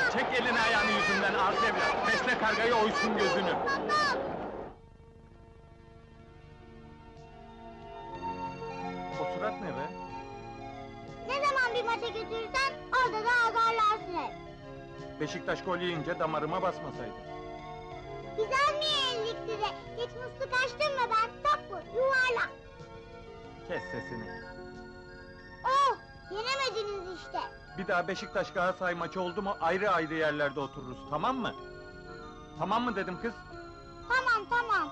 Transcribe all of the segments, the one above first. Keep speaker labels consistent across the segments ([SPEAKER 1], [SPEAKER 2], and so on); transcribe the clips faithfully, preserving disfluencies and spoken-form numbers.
[SPEAKER 1] Çek elini ayağını yüzünden arz evlat! Besle kargayı, oysun gözünü! O surat ne be?
[SPEAKER 2] Ne zaman bir maça götürürsen, orada da azarlarsın hep.
[SPEAKER 1] Beşiktaş gol yiyince damarıma basmasaydı.
[SPEAKER 2] Güzel mi yenildik size? Hiç musluk açtın mı ben? Top bu, yuvarlak.
[SPEAKER 1] Kes sesini!
[SPEAKER 2] Oh, yenemediniz işte.
[SPEAKER 1] Bir daha Beşiktaş Galatasaray maçı oldu mu ayrı ayrı yerlerde otururuz, tamam mı? Tamam mı dedim kız?
[SPEAKER 2] Tamam, tamam.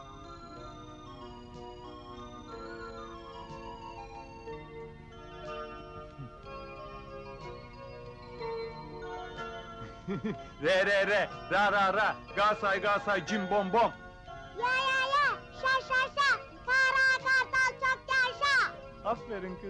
[SPEAKER 1] Re re re, ra ra ra, Galatasaray Galatasaray, cim bom bom!
[SPEAKER 2] Ya ya ya, şa şa şa, kara kartal çok yaşa.
[SPEAKER 1] Aferin kız!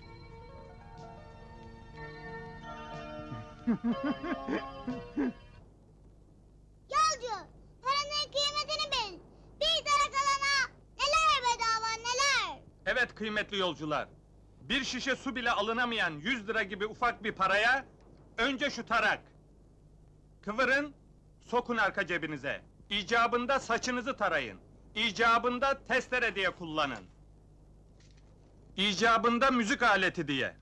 [SPEAKER 2] Yolcu, paranın kıymetini bil. Bir tane kalana neler bedava neler.
[SPEAKER 1] Evet kıymetli yolcular, bir şişe su bile alınamayan yüz lira gibi ufak bir paraya, önce şu tarak. Kıvırın, sokun arka cebinize. İcabında saçınızı tarayın. İcabında testere diye kullanın. İcabında müzik aleti diye.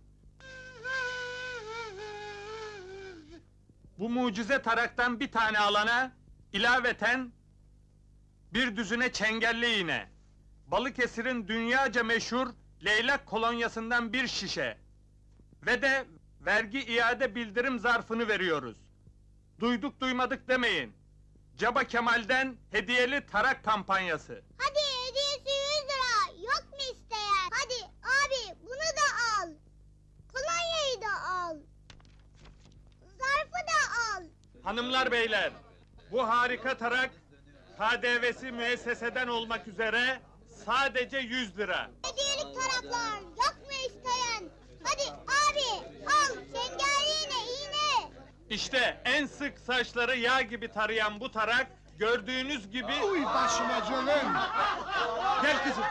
[SPEAKER 1] Bu mucize taraktan bir tane alana, ilaveten bir düzine çengelli iğne, Balıkesir'in dünyaca meşhur leylak kolonyasından bir şişe ve de vergi iade bildirim zarfını veriyoruz. Duyduk duymadık demeyin. Caba Kemal'den hediyeli tarak kampanyası.
[SPEAKER 2] Hadi hediyesi yüz lira, yok mu isteyen? Hadi abi, bunu da al. Kolonyayı da al. Zarfı da al.
[SPEAKER 1] Hanımlar beyler, bu harika tarak K D V'si müesseseden olmak üzere sadece yüz lira.
[SPEAKER 2] Hediyelik taraklar, yok mu isteyen? Hadi abi, al, çengelli iğne, iğne.
[SPEAKER 1] İşte en sık saçları yağ gibi tarayan bu tarak, gördüğünüz gibi...
[SPEAKER 3] Uy başıma canım!
[SPEAKER 1] Gel kızım!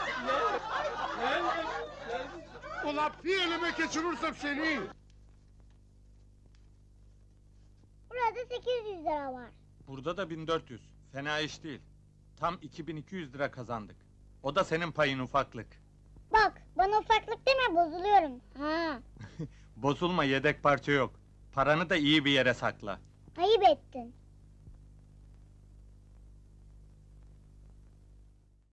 [SPEAKER 3] Ulan bir elime geçirirsem seni!
[SPEAKER 2] Burada sekiz yüz lira var.
[SPEAKER 1] Burada da bin dört yüz, fena iş değil. Tam iki bin iki yüz lira kazandık. O da senin payın ufaklık.
[SPEAKER 2] Bak, bana ufaklık deme, bozuluyorum. Ha,
[SPEAKER 1] Bozulma, yedek parça yok. Paranı da iyi bir yere sakla.
[SPEAKER 2] ayıp ettin.